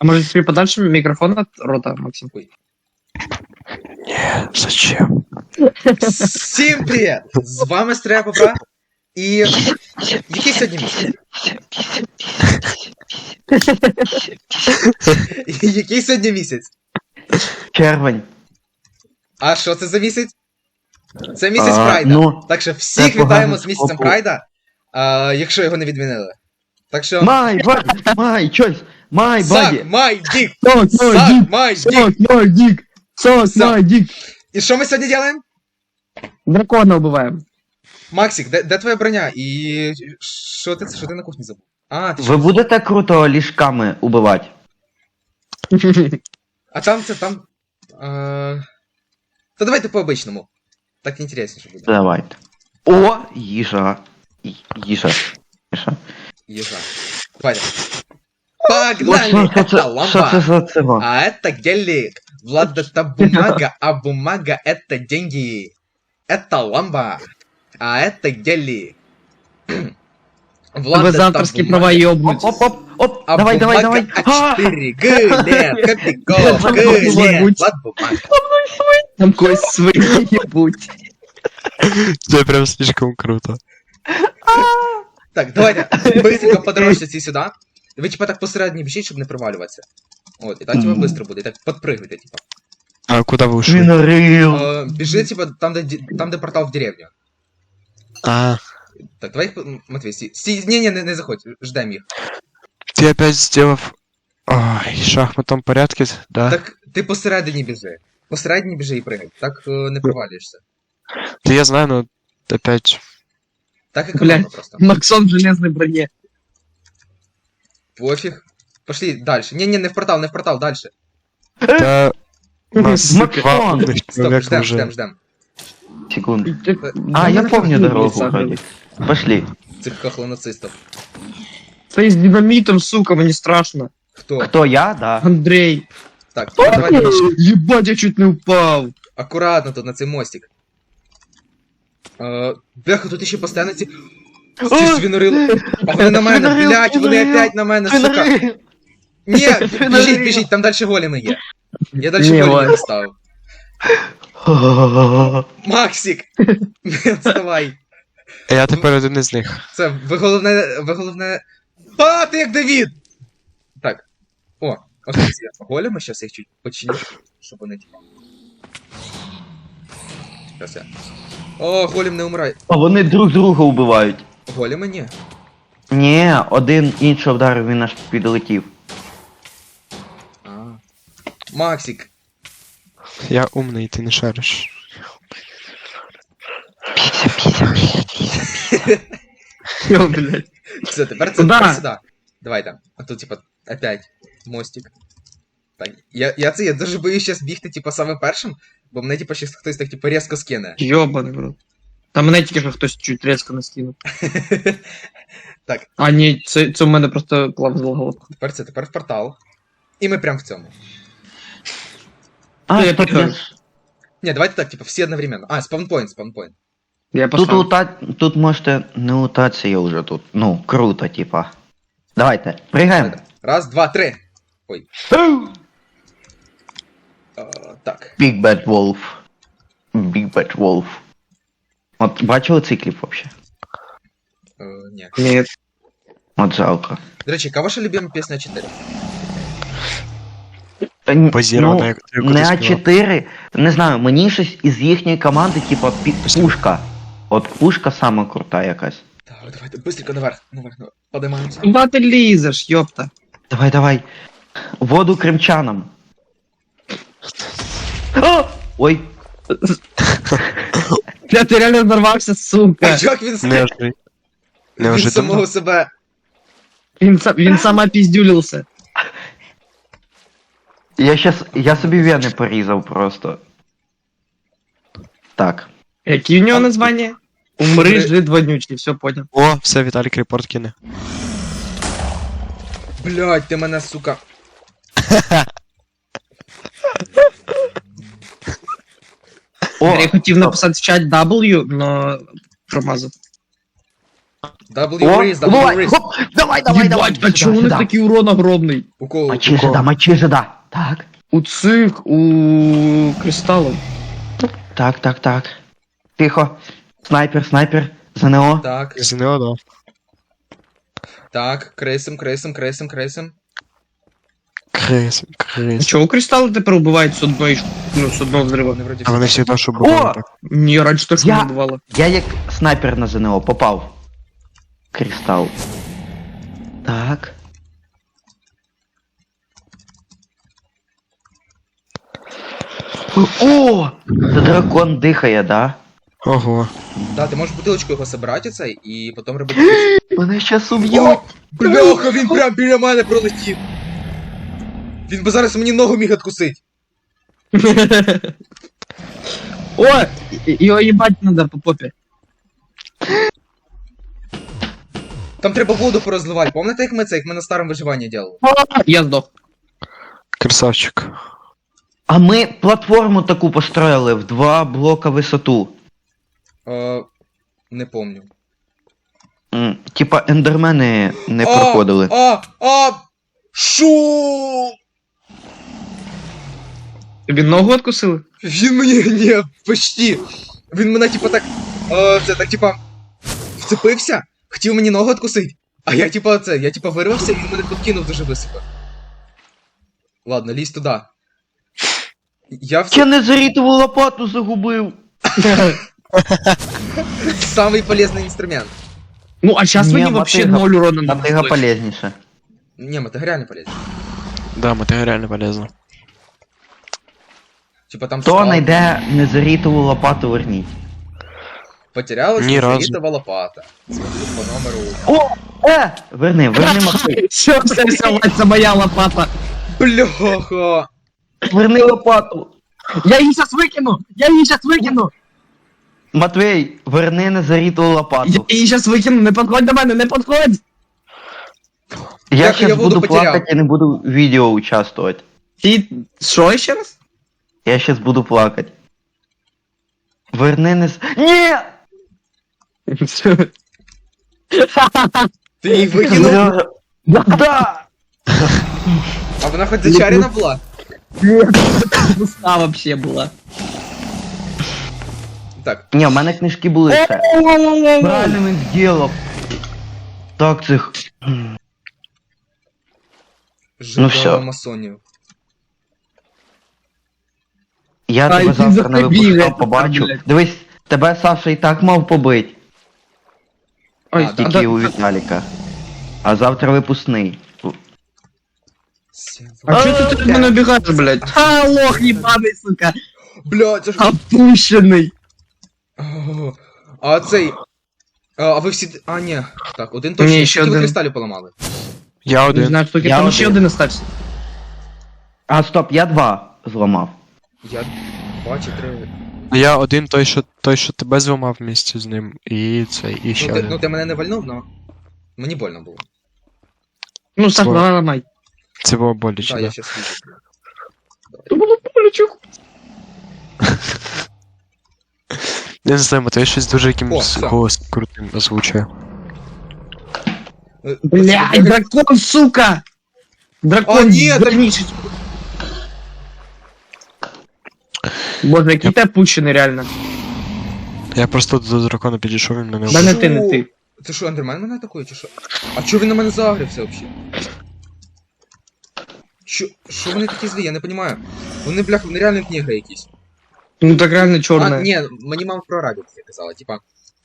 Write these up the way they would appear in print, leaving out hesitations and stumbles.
А может тебе подальше микрофон от рота, Максим? Не, зачем? Всім привіт! З вами Стрія Попра. І який сьогодні місяць? Який сьогодні місяць? Червень. А що це за місяць? Це місяць Прайда. Ну, Так що всіх це вітаємо погано з місяцем споку. Прайда, якщо його не відмінили. Так що... Май, чось, май, Сак, баді. май, дік! Сок, Сак, май, дік! мой дик! Сок, Всё. мой дик! І що ми сьогодні робимо? Дракона убиваем. Максик, де твоя броня? І що ти на кухні забув? А, ти Ви будете круто ліжками убивати? А там це там. Та давайте по-обичному. Так інтересніше буде. Давайте. О, їжа. Їжа. Ежа. Давайте. О, Погнали! Это що це лампа! за цього? А это гелик! Влад, это бумага, а бумага это деньги! Это ламба! А это гелик! Влад, Тебе это завтраски бумага, права ёбнуть. Оп, а давай. бумага А4! Глен! Копейков! Глен! Влад, бумага! Там кость свои ебуть. Це прям слишком круто. Так, давайте быстренько подорожьте сюда. Ви типа так посередині біжіть, щоб не провалюватися. От, і так типа быстро буде, і так подпрыгуйте, типа. А куда вы ушли? Свинорил. Біжи, типа, там, де портал в деревню. А, Так, давай їх, Матвій, стій, не заходь, ждем їх. ты опять сделав... Ой, в шахматном порядке, да? Так, ти посередині біжи. Посередині біжи і пригай, так не провалюєшся. Да я знаю, но опять... Так економно Блядь. просто. Максон в железной броне. Пофіг. Пошли дальше. Не в портал, дальше. Да... У нас Максон! два умных Стоп, человека уже. ждем. Секунду. А, я помню дорогу вроде. Пошли. Цих кохлонацистів. Ты с динамитом, сука, мне страшно. Хто? Кто, я? Да. Андрей. Так, давай дальше. Ебать, я чуть не упал. Акуратно тут на цей мостик. Бляха, тут ще постійно ці свінорили. А вони на мене, Свинорил, блять, вони свинорил, опять на мене, сука. Свинорил. Ні, Свинорил. біжіть, там далі големи є. Я далі Ні, големи ладно. не ставив. Максик! Вставай. А я тепер один із них. Це, ви головне... А, ти як Давід! Так. О, ось ці големи, щас їх чуть починю, щоб вони типа. Щас я. О, голем не умирай. А вони друг друга убивають. Големи ні. Ні, один інший вдарив, він аж підлетів. А. Максик. Я умний, ти не шариш. Ё, блядь. Все, тепер це Куда? тепер сюди. Давайте. А тут, типа, опять мостик. Так, я дуже боюсь зараз бігти, типа, саме першим, бо мене, типа, щас хтось так, типа, різко скине. Ёбаный в рот. Там мене тільки що хтось чуть резко наскинув. Так, А ні, це у мене просто клав з головку. тепер в портал. І ми прям в цьому. А, Я стоп, підказую. Ні, давайте так, типа, всі одновременно. А, спаунпоінт. Я Тут пошла. тут можете не лутатися, я вже тут. Ну, круто, типа. Давайте, пригаємо. Раз, два, три. Так. Big Bad Wolf. Big Bad Wolf. От бачили цей кліп вообще? Ні. Ні. От жалко. До речі, яка ваша любима пісня 4? Базірована, як ти не кудись співав. А4, не знаю, мені щось із їхньої команди, типа пушка. От пушка сама крута якась. Так, давайте, быстренько наверх. Подимаємося. Куда ти лізеш, ёпта? Давай. Воду кримчанам. О! Ой, Бля, ти реально взорвався, А сука. як він Неожиданно. Він Неожиданно. самого себе. Він сам опіздюлився. я собі вени порізав просто. Так. Які у нього названня? Умри, жид вонючий, все понял. О, все, Віталік репорт кине. Блядь, ти мене, сука. О, Я хотів написати в чат W, но промазав. W О, raise, W давай, raise. хоп, давай, давай, давай. Єбать, а чому у них такий урон огромний? У кого? Мочи жида, мочи жида. Так, У цих, у кристалів. так. Тихо. Снайпер, снайпер. ЗНО. Так, ЗНО, да. так, кресим. Крис. Чого кристали тепер убивають з одної, з одного взриву? Вони вроді А вони всі. всегда що бували О! так. Ні, раніше теж Я- не бувало. Я як снайпер на ЗНО попав. Кристал. Так. О! Це дракон дихає, да? Ого. Да, ти можеш бутилочку його собирати цей, і потім робити. Мене щас уб'ють. О, бляха, він прям біля мене пролетів. Він би зараз мені ногу міг откусить. О! Його їбать надо по попі. Там треба воду порозливати. Пам'ятаєте, як ми на старому виживанні робили? Я здох. Красавчик. А ми платформу таку построїли в 2 блока висоту. Не помню. Типа ендермени не проходили. Шо? Тобі ногу откусили? Він мені, ні, почти. Він мене, типа, так, це, так, типа, вцепився, хотів мені ногу откусить. А я, типа, вирвався, і він мене підкинув дуже високо. Ладно, лізь туди. Я незарітову лопату загубив. Самый полезный инструмент. Ну, а зараз Ні, мені вообще мотига- 0 урона не Мотига нанесли. полезніше. Не, мотыга реально полезен. Да, матеріально полезно. Типа там Хто стал, знайде незарітову лопату, верніть. потерялась Ні разу. незаритова лопата. Смотрю по номеру. Верни мотига. Все, це моя лопата. Бляха! Верни лопату. Я її зараз викину! Матвей, верни незарітову Я лопату. її зараз викину, не підходь до мене, не підходь! Я Як я щас воду буду потеряв? плакати і не буду в відео участвувати. Ти що ще раз? Я щас буду плакати. Верни Ні! Ти її викинув? Да! А вона хоч зачарена була? Пуста вообще була. Так, Ні, в мене книжки були ще. Правильно він зробив. Так, цих. жива всё. масонів. Я Ай, тебе ти завтра на забігай, випусках побачу. блядь. Дивись, тебе Саша і так мав побить. Ой, А, Тільки у Віталіка. А завтра випускний. А чого ти від мене бігаєш, блядь? А, лох їбаний, сука! Бля, це ж... Опущений! О, А цей... А ви всі... А, ні. Так, один Ні, точно. ще Скільки ви один. кристалів поламали? Я Не один. знаю, що Я там ще один. один остався. А, стоп, я 2 зламав. Я... 2 чи 3... Я один той, що тебе зламав вместе з ним. І цей, і ще Ну один. ти мене не вальнув, но... Мені больно було. Ну, Саш, Свой. давай ламай. Це було боляче, Так, да. я щас вижу. То було болячок. Я не знаю, Матвей щось дуже О, якимось все. голос крутим озвучує. Блядь, дракон, сука! А, Дракон, ні, вернись. Боже, який ти опущений, реально. Я просто до дракона підійшов, він мене Да вбив. не ти, не ти. Це що, Ендермен мене атакує, чи що? А чого він на мене загрився взагалі? Що вони такі злі, я не розумію. Вони, бляха, вони реально книги якісь. Ну так реально А, чорне. ні, мені мама про арабів таке казала, типа.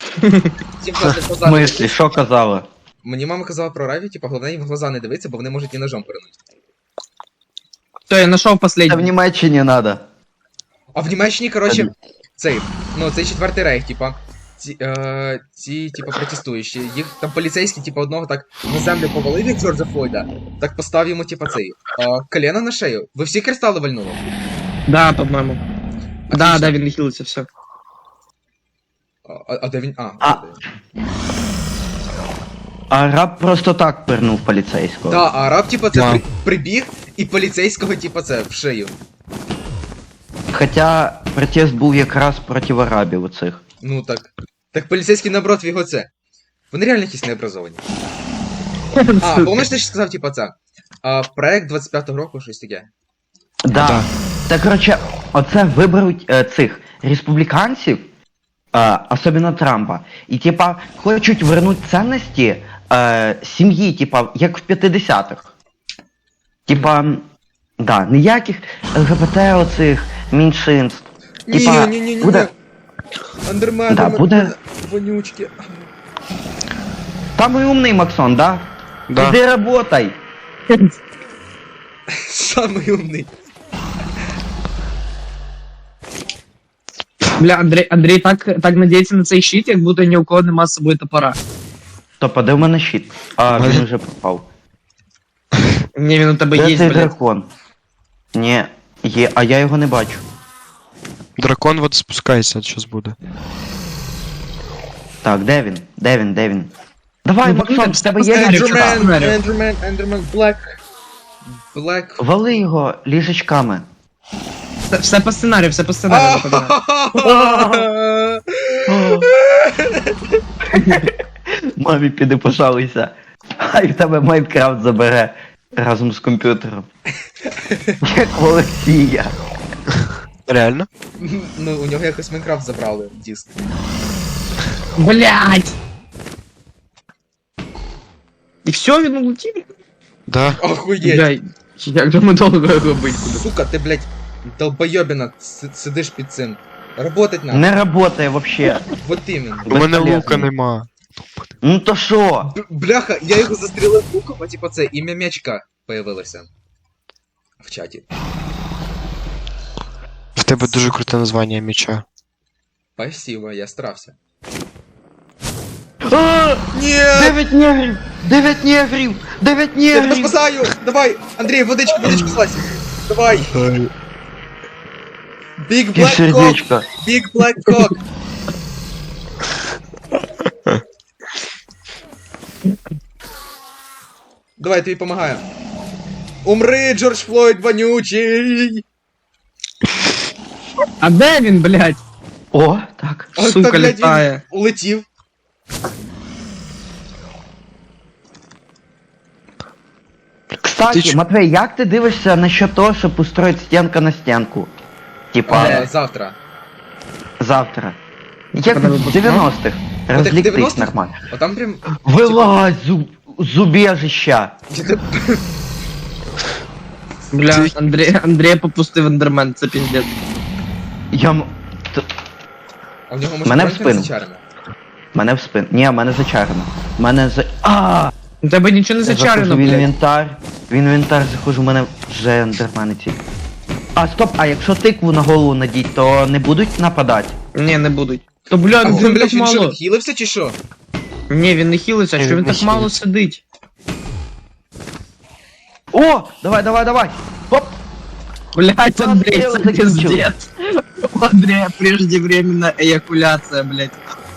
В смислі, що казала? Мені мама казала про арабів, типа, головне їм в глаза не дивитися, бо вони можуть і ножом перенути. Все, я знайшов Це в последній. Німеччині надо. А в Німеччині, коротше, цей четвертий рейх, типа. Ці, типа, протестуючі. Їх там поліцейські, типа, одного так на землю повалив, як Джорджа Флойда, так постав йому, типа, цей. Колено на шею. Ви всі кристали вальнули? Да, по-моєму. Да, Отлично. да, він не хилиться, все. А де він? А. А раб просто так пернув поліцейського. Да, а араб, типа, це Да. прибіг і поліцейського, типа, це в шею. Хоча протест був якраз проти арабів оцих. Ну так. Так поліцейський наоборот в його це. Вони реально якісь необразовані. А, помниш, ти ж сказав, типа, це? Проект 25-го року, щось таке. Да. Да. Та короче, оце виберуть цих республіканців, особливо Трампа, і типа хочуть вернути цінності сім'ї, типа, як в 50-х. Типа, да, ніяких ЛГБТ оцих меншинств. Типа, Ні-ні-ні-ні-ні. буде. Андермен, Да, буде. вонючки. Самый умный Максон, да? Да. Иди работай. Самий умний. Бля, Андрій так надіється на цей щит, як будто ні у кого нема з собою топора. Стоп, а де в мене щит? А, він вже пропав. Ні, він у тебе Де є, цей блядь. дракон? Ні, є, а я його не бачу. Дракон вот спускається, щось буде. Так, де він? Де він? Де він? Давай, Ну, Максон, в все тебе є посередині, ліжечка? чувак. Ендермен, Блек. Вали його ліжечками. Все по сценарію, все по сценарію. запам'ятай. Мамі піди пожалуйся. Хай в тебе Майнкрафт забере разом з комп'ютером. Як в Олексія. Реально? Ну, у нього якось Майнкрафт забрали диск. Блядь! І все, він улетів? Да. Охуєть. Бля, як же ми довго його бить будемо? Сука, ти, блядь, долбойобіна, сидиш під цим. Работать надо. Не работає вообще. Вот іменно. У мене Безполезно. лука нема. Ну то що? Бляха, я його застрілив луком, а типа це ім'я м'ячка появилося. В чаті. В тебе дуже круте названня меча. Спасибо, я старався. Ні! 9 негрів! 9 негрів! 9 Я тебе негрів! спасаю! Давай! Андрій, водичку злазь! Давай! Big І Black Cock! сердечко. Big Black Cock! Давай, я тобі помагаю. Умри, Джордж Флойд вонючий! А де він, блядь? О, так. А, Сука, та, блядь, літає. він улетів. Кстати, Ти ч- Матвей, як ти дивишся насчет того, щоб устроїти стінка на стінку? Типа, Завтра. завтра. Як Коли в ви 90-х. Розліктись 90-х? нормально. Отам прям... Вилазь з убежища. Я тебе- Бля, Андрія попустив ендермен, це піздець. Я... А в нього може Мене в бронька спину. зачарена? Мене в спин. Ні, мене зачарено. Мене за... А! У тебе нічого не Я зачарено, заходжу в блядь. інвентар. В інвентар заходжу, в мене вже ендермени ці. А, стоп, а якщо тикву на голову надіть, то не будуть нападати? Ні, не будуть. То, бля, А він він, блядь, так він що, мало. відхилився чи що? Ні, він не хілиться, що він не так мало хилиться. сидить. О! Давай! Оп! Блядь, Андрей, дело це закінчилось. пиздец. У Андрея преждевременная эякуляция, блядь.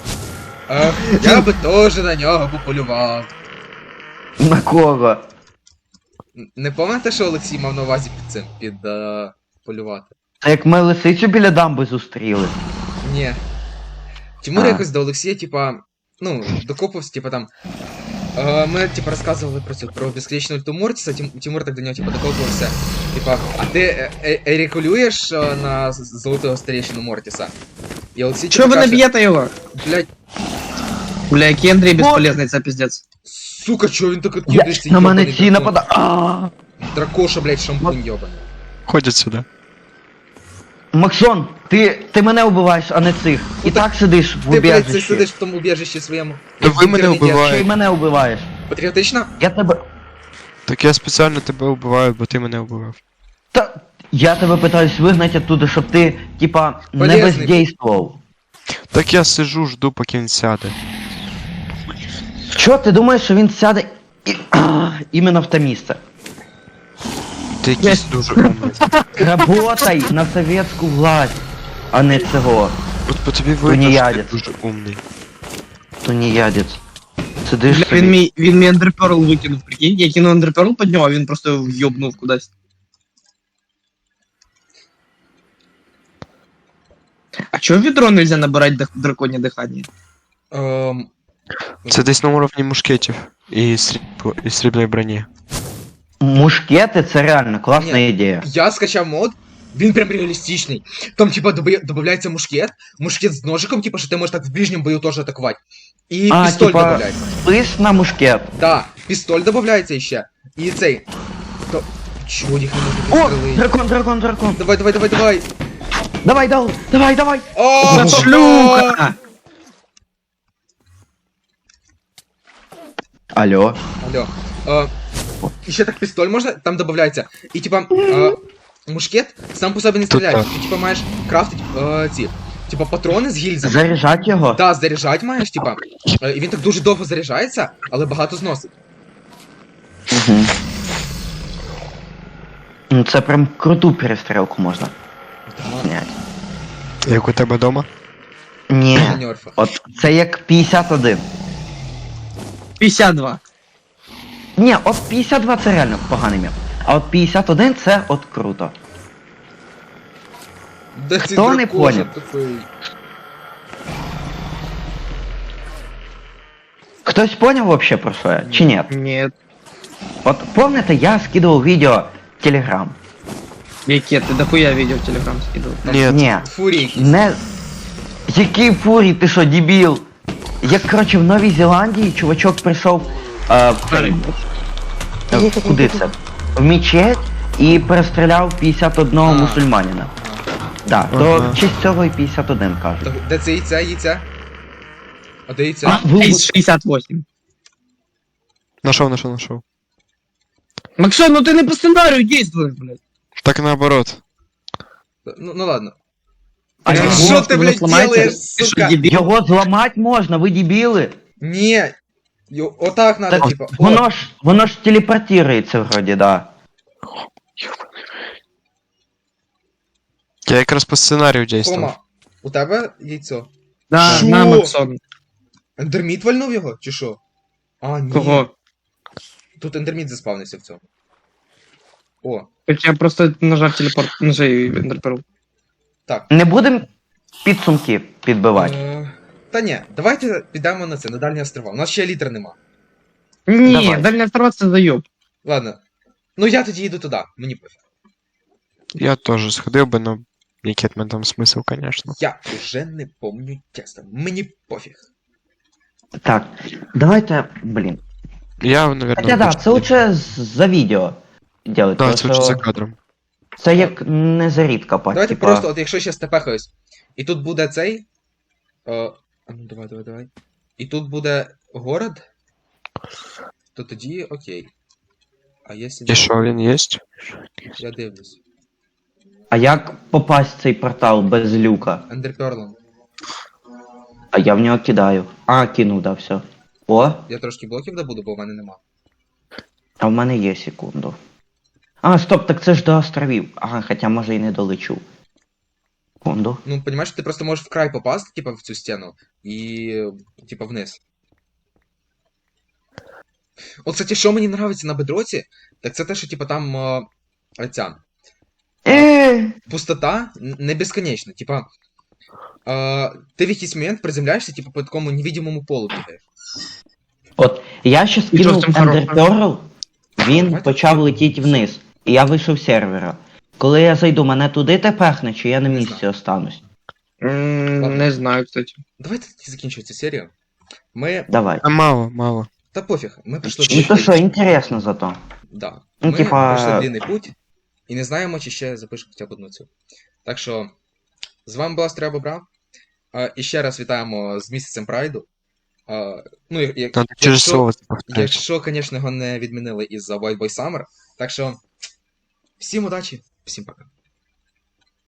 Я би теж на нього пополював. На кого? Не пам'ятаєте, що Олексій мав на увазі під цим, полювати? Це як ми лисицю біля дамби зустріли. Ні. Тимур А. якось до Олексія, типа, ну, докопався, типа там. Ми, типа, розказували про безконечну ульту Мортіса, Тимур так до нього, типа, докопався. Типа, а ти ерекулюєш на золотого старейшину Мортіса? І Олексій, Чого ви не б'єте його? Блядь, Бля, який Андрій безполезний, це піздець. сука, чого він так Я... відкидається? На мене ці напада. А! Дракоша, блядь, шампунь йобаний. Ходять сюди. Максон, ти мене вбиваєш, а не цих. І так сидиш в Ти, блядь, це убежищі. сидиш в тому убежищі своєму. Та ви мене Інтернеті. вбиваєте. Ще й мене вбиваєш. Патріотично? Я тебе... Так я спеціально тебе вбиваю, бо ти мене вбивав. Та... Я тебе питаюсь вигнати оттуда, щоб ти, типа, не Полезний. бездействував. Так я сижу, жду, поки він сяде. Що, ти думаєш, що він сяде іменно в те місце? Ти якийсь дуже умний. Работай на советську власть, а не цього. От по тобі видно, що ти Тунеядець. дуже умний. Тунеядець. Сидиш Бля, собі. він мій ендерперл викинув, прикинь. Я кинув ендерперл під нього, а він просто в'єбнув кудись. А чого в відро нельзя набирати драконє дихання? Це десь на уровні мушкетів і срібної броні. Мушкети це реально класна Ні. ідея. Я скачав мод, він прям реалістичний. Там, типа, додається мушкет з ножиком, типа, що ти можеш так в ближньому бою теж атакувати. І пістоль типа, додається. спис на мушкет. Да, пістоль додається ще. І цей. То... Чого їх не можна О, підстрелити? дракон. Давай. Давай. О, Шлюха! Алло. Алло. І ще так пістоль можна, там додається. І типа, мушкет сам по собі не стріляє. так. Ти типа маєш крафтити ці. Типа патрони з гільзами. Заряджать його? Да, заряджать маєш, типа. І він так дуже довго заряджається, але багато зносить. Угу. Ну це прям круту перестрілку можна зняти. Як у тебе вдома? Ні. На нерфах. От це як 51. 52. Ні, от 52 це реально поганий мем. А от 51 це от круто. Да Хто ти не дракоша поняв? тупий. Хтось поняв вообще про що я? Чи ні? Нет. От помните, я скидував відео в Телеграм. Яке, ти дохуя відео в Телеграм скидав. Ні. Ні. Фурій якийсь. Не. Який фурій, ти що, дебіл? Як, коротше, в Новій Зеландії чувачок прийшов куди це? В мечеть і перестріляв 51 А. мусульманина. Да, то Ага. в честь цього і 51 кажуть. Так, де це яйця? А де яйця? Із 68. Нашов. Максон, ну ти не по сценарію действуєш, блядь. Так наоборот. Ну ладно. А Що його ти, воно блядь, зламається? делаєш, Ти що, сука? дебіл? Його зламати можна, ви дебіли. Ні. Отак надо, Так, типа. О, воно ж телепортується вроді, да. Я якраз по сценарію дійствував. Кома, у тебе яйцо. Да, Що? на, Максон. Ендерміт вальнув його, чи що? А, ні. Кого? Тут ендерміт заспавнився в цьому. О, Я просто нажав телепорт, нажав ендерперл. так. Не будемо підсумки підбивати. Та ні, давайте підемо на це, на дальні острова. У нас ще літра нема. Ні, Давай. дальня острова це заёб. Ладно. Ну я тоді йду туди, мені пофіг. Я теж сходив би, но який в мене там смисл, звісно. Я вже не помню чесно. Мені пофіг. Так, давайте, блін. Я, наверное, Хоча да, це лучше за відео делать. Да, тому це лучше що за кадром. Це як не зарід копати. Давайте типа... просто, от якщо ще степехаюсь, і тут буде цей. А ну давай. І тут буде город, то тоді окей. А якщо І що, він є? я дивлюсь. А як попасть в цей портал без люка? Ендерперлом. А я в нього кидаю. А, кинув, да, все. О, Я трошки блоків добуду, бо в мене нема. а в мене є секунду. А, стоп, так це ж до островів. Ага, хоча може і не долечу. Секунду. Ну, понімаєш, ти просто можеш в край попасти, типа, в цю стіну, і типа вниз. От, кстати, що мені нравиться на бедроці, так це те, що типа там ця пустота не безконечна. Типа, ти в якийсь момент приземляєшся, типа, по такому невидимому полу бігаєш. От, я ще що скинув з цим хорошого? Ender Pearl, він Давайте почав летіти вниз. І я вийшов з сервера. Коли я зайду, мене туди тепехне, чи я на Не місці знаю. останусь? Не знаю, кстати. Давайте тоді закінчувати цю серію. Ми. Давай. А мало. Та пофіг, ми пройшли Ну то що, інтересно зато. Да. Ну, Ми типа- пройшли длинний путь і не знаємо, чи ще запишемо хоча б одну цю. Так що, з вами була Стрія Бобра. І ще раз вітаємо з місяцем Прайду. Ну, Надо через слово це повторити. якщо, звісно, його не відмінили із-за White Boy Summer. Так що, всім удачі, всім пока.